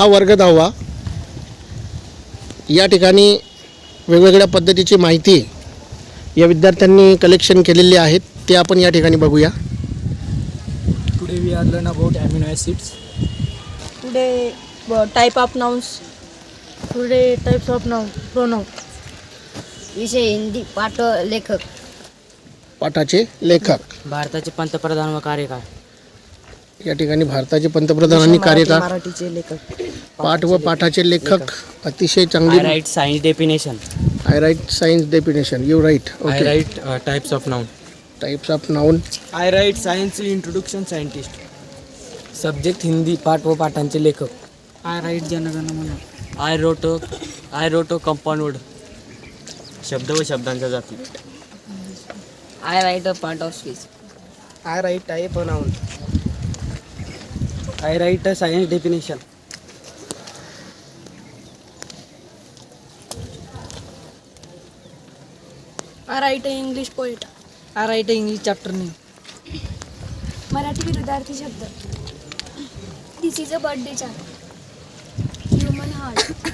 हा वर्ग 10वा या ठिकाणी वेगवेगळ्या पद्धतीची माहिती या विद्यार्थ्यांनी कलेक्शन केलेली आहेत ते आपण या ठिकाणी बघूया. Today we are learn about amino acids. Today type of nouns. Today types of pronoun. विषय हिंदी पाठ लेखक. पाठाचे लेखक. भारताचे पंतप्रधान व कार्यकाळ. या ठिकाणी भारताचे पंतप्रधान आणि कार्यकाळ. मराठीचे लेखक. पाठ व पाठाचे लेखक अतिशय चांगली. I write science definition. I write science definition. You write. I write types of noun. Types of noun. I write science introduction scientist. Subject Hindi पाठ व पाठांचे लेखक. I write जनगण मन. I wrote compound word. शब्द व शब्दांच्या जाती. I write a part of speech. I write type of noun. I write a science definition. I write an English poet. I write a English chapter name. Marathi विरुद्धार्थी शब्द. This is a birthday chart. Human heart.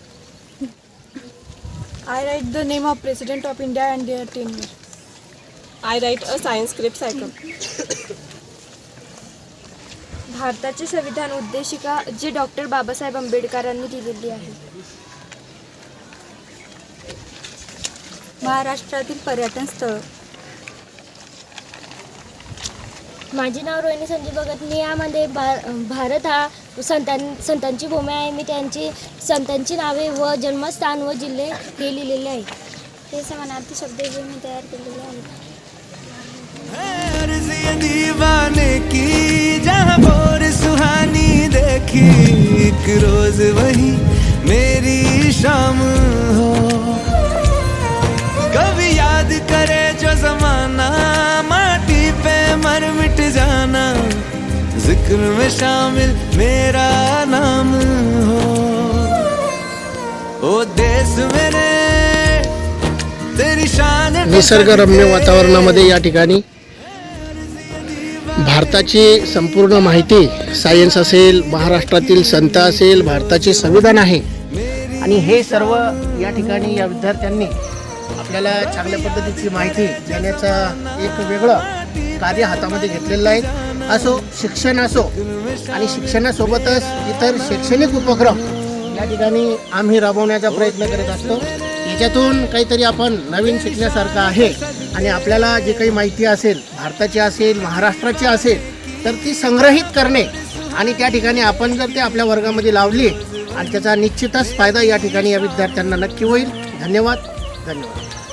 I write the name of President of India and their tenure. I write a science script cycle. भारताचे संविधान उद्देशिका जे doctor Babasaheb आंबेडकरांनी दिलेली आहे. महाराष्ट्रातील पर्यटन स्थळ. माझे नाव रोहिणी संजय भगत. मी यामध्ये भारत हा संतांची भूमी आहे. मी त्यांची संतांची नावे व जन्मस्थान व जिल्हे हे लिहिलेले आहे. हे समानार्थी शब्द जे मी तयार केलेले आहेत. दीवाने की जहाँ बोर सुहानी देखी एक रोज वही मेरी शाम हो. कभी याद करे जो जमाना माटी पे मर मिट जाना जिक्र में शामिल मेरा नाम हो. ओ देश मेरे तेरी शान. निसर्गरम्य वातावरणामध्ये या ठिकाणी भारताची संपूर्ण माहिती सायन्स असेल, महाराष्ट्रातील संत असेल, भारताचे संविधान आहे आणि हे सर्व या ठिकाणी या विद्यार्थ्यांनी आपल्याला चांगल्या पद्धतीची माहिती देण्याचा एक वेगळं कार्य हातामध्ये घेतलेलं आहे. असो शिक्षण असो आणि शिक्षणासोबतच इतर शैक्षणिक उपक्रम या ठिकाणी आम्ही राबवण्याचा प्रयत्न करत असतो. याच्यातून काहीतरी आपण नवीन शिकण्यासारखं आहे आणि आपल्याला जे काही माहिती असेल भारताची असेल, महाराष्ट्राची असेल तर ती संग्रहित करणे आणि त्या ठिकाणी आपण जर ते आपल्या वर्गामध्ये लावली आणि त्याचा निश्चितच फायदा या ठिकाणी या विद्यार्थ्यांना नक्की होईल. धन्यवाद.